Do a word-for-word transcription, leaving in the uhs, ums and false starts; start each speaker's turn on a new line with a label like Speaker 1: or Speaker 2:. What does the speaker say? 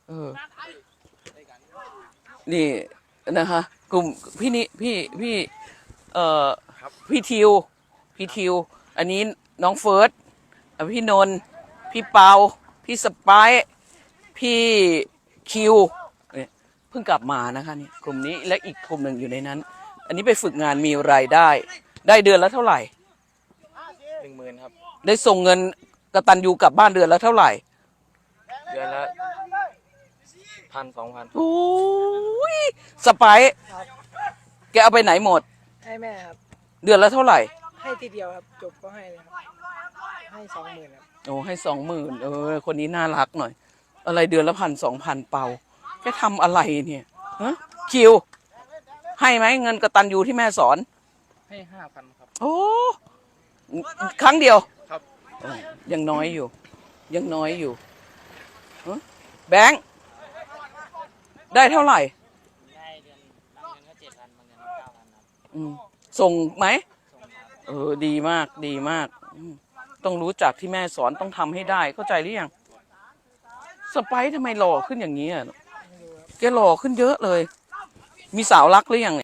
Speaker 1: เออนี่นะคะกลุ่มพี่นี่พี่พี่เอ่อพี่ทิวพี่ทิวอันนี้น้องเฟิร์สพี่นนท์พี่เปาพี่สไปร์พี่คิวเนี่ยเพิ่งกลับมานะคะนี่กลุ่มนี้และอีกกลุ่มหนึ่งอยู่ในนั้น อันนี้ไปฝึกงานมีรายได้ ได้เดือนละเท่าไหร่
Speaker 2: หนึ่งหมื่นครับ
Speaker 1: ได้ส่งเงินกตัญญูกลับบ้านเดือนละเท่าไหร่
Speaker 2: เดือนละพันสองพัน
Speaker 1: โอ้ยสไปร์แกเอาไปไหนหมด
Speaker 3: ให้แม่ครับ
Speaker 1: เดือนละเท่าไหร่
Speaker 3: ให้ทีเดียวครับจบก็ให้เลยครับให้สองหมื่นครับ
Speaker 1: โอ้ให้สองหมื่นเออคนนี้น่ารักหน่อยอะไรเดือนละพันสองพันเปาแกทำอะไรเนี่ยฮะคิวให้ไหมเงินกตัญญูที่แม่สอน
Speaker 2: ให้ห้าพันครับ
Speaker 1: โอ้ครั้งเดียว
Speaker 2: ครับ
Speaker 1: ยังน้อยอยู่ยังน้อยอยู่แบงค์ได้เท่าไหร่
Speaker 2: ได้เดือนบางเดือนก็เจ็ดพันบางเดือนก็เก้าพันครับ
Speaker 1: ส่งไหมเออดีมากดีมากต้องรู้จักที่แม่สอนต้องทำให้ได้เข้าใจหรือยังสไปร์ทำไมหล่อขึ้นอย่างนี้อ่ะแกหล่อขึ้นเยอะเลยมีสาวรักหรือยัง